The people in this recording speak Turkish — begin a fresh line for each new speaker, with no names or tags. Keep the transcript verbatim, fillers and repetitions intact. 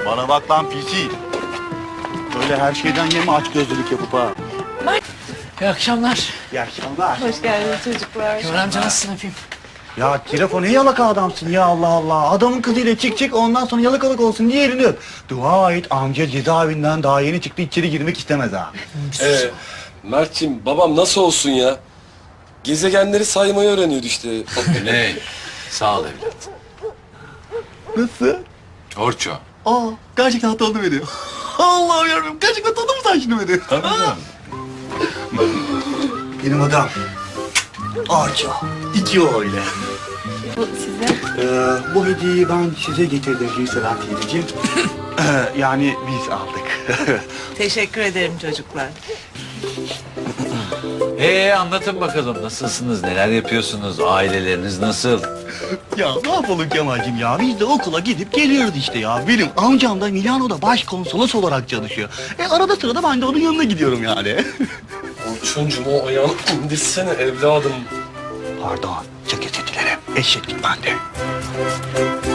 Bana bak lan pisi. Böyle her şeyden yeme aç gözlülük yapıp ha.
İyi akşamlar.
İyi akşamlar.
Hoş geldiniz çocuklar.
Kemal amca nasılsın öpeyim?
Ya telefon ne yalaka adamsın ya Allah Allah. Adamın kızıyla çık çık ondan sonra yalakalık olsun diye elini öp. Dua et amca cezaevinden daha yeni çıktı içeri girmek istemez ha.
Ee, Mert'ciğim babam nasıl olsun ya? Gezegenleri saymayı öğreniyordu işte.
Ne? Sağ ol evlat.
Nasıl?
Orço.
Aa gerçekten tanıdı beni. Allah'ım yarabbim gerçekten tanıdı mı sen şimdi beni?
Tabii canım.
Benim adam. Ağaç İki o öyle.
Bu size.
Ee, bu hediyeyi ben size getirdim Gülseren teyzeciğim. Ee, yani biz aldık.
Teşekkür ederim çocuklar.
Ee anlatın bakalım nasılsınız, neler yapıyorsunuz, aileleriniz nasıl?
Ya ne yapalım Kemal'cim ya? Biz de okula gidip geliyoruz işte ya. Benim amcam da Milano'da başkonsolos olarak çalışıyor. E arada sırada ben de onun yanına gidiyorum yani.
Orçuncum o ayağını indirsene evladım.
Pardon, çok özür dilerim. Eşeklik bende.